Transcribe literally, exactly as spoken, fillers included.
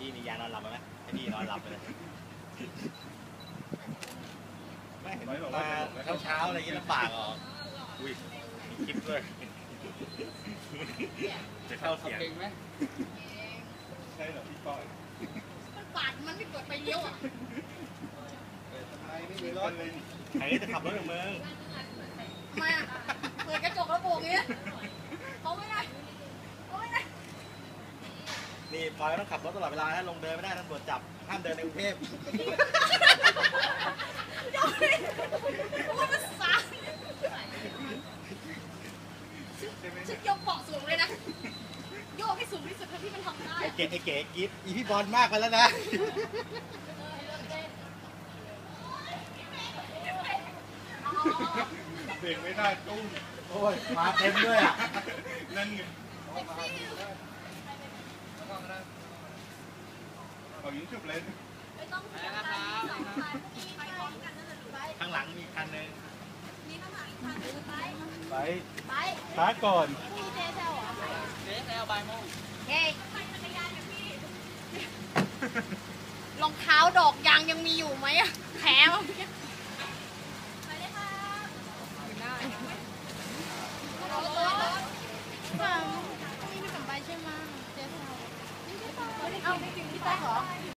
พี่มียานอนหลับไหมให้พี่นอนหลับไปเลยไม่เห็นมาเช้าเช้าอะไรอย่างนี้ลำบากเหรออุ้ยมีคลิปด้วยจะเข้าเสียงไหมใช่เหรอพี่ก้อยมันปาดมันไม่กดไปเลี้ยวอ่ะใครไม่มีรถเลยใครจะขับรถกับมึงทำไมอ่ะเปิดกระจกแล้วโบกอย่างเงี้ยเขาไม่ได้เขาไม่ได้นี่พลอยต้องขับรถตลอดเวลาถ้าลงเดินไม่ได้ตำรวจจับห้ามเดินในกรุงเทพเดี๋ยวนี้ว่ามันสายฉันยกเบาะสูงเลยนะโยกให้สูงที่สุดเท่าที่มันทำได้ไอ้เก๋ไอ้เก๋กิ๊บอีพี่บอลมากไปแล้วนะเบรกไม่ได้ตุ้มโอ้ยมาเต็มด้วยอ่ะนั่นไงเขายิงฉุบเลยไม่ต้องไปนะครับข้างหลังมีคันนึงมีข้างหลังอีกคันนึงไปไปไปช้าก่อนพี่เจเซลเหรอเจเซลบ่ายโมงเฮ้ยรองเท้าดอกยางยังมีอยู่ไหมอะแผลมั้งไปเลยค่ะได้รถรถรถนี่ไม่กลับไปใช่ไหมเจเซลเอาไม่กินที่ใต้เหรอ